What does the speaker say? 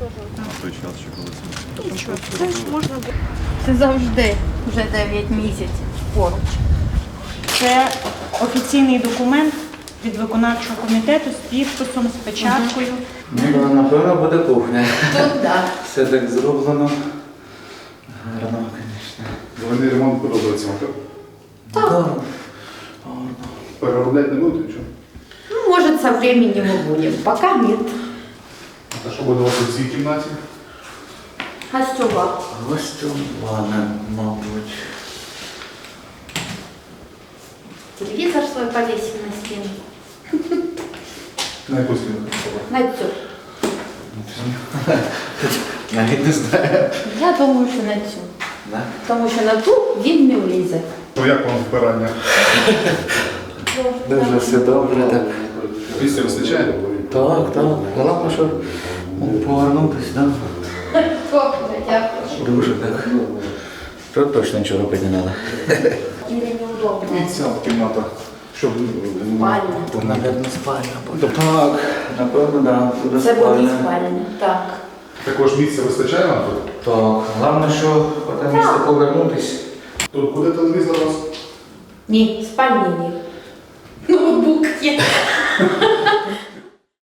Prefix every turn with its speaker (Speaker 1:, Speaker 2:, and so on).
Speaker 1: На той час ще коли це.
Speaker 2: Нічого, це ж можна буде. Це завжди вже 9 місяців поруч.
Speaker 3: Це офіційний документ від виконавчого комітету з підписом, з печаткою.
Speaker 4: Ну, напевно, буде кухня.
Speaker 2: Тут так.
Speaker 4: Все так зроблено. Гарно, звісно.
Speaker 1: Заводний ремонт подобається вам, так?
Speaker 4: Так.
Speaker 1: Переробляти не будете нічого?
Speaker 2: Ну, может, со временем мы будем. Пока нет.
Speaker 1: А що буде у вас у цій кімнаті?
Speaker 2: Гостева.
Speaker 4: Гостювана, мабуть.
Speaker 2: Телевизор свой повесим на стену.
Speaker 1: На яку стіну?
Speaker 2: На цю.
Speaker 4: Навіть не знаю.
Speaker 2: Я думаю, що на цю.
Speaker 4: Да?
Speaker 2: Тому що на ту він не влізе.
Speaker 1: То як вам вбирання?
Speaker 4: Дуже все добре, так.
Speaker 1: Місця вистачає?
Speaker 4: Так, так. Головне, що повернутися, так?
Speaker 2: Добре, дякую.
Speaker 4: Дуже так. Тут точно нічого робити не треба.
Speaker 2: Или неудобно.
Speaker 1: І ця кімната. Щоб...
Speaker 2: Спальня.
Speaker 4: Наверно, спальня буде. Так, напевно, так. Буде
Speaker 2: Це буде
Speaker 4: спальня.
Speaker 2: спальня. Так.
Speaker 1: Також місця вистачає вам тут?
Speaker 4: Так, головне, що потім місце повернутися.
Speaker 1: Тут буде телевізор у вас?
Speaker 2: Ні, спальні ні. Ноутбук є.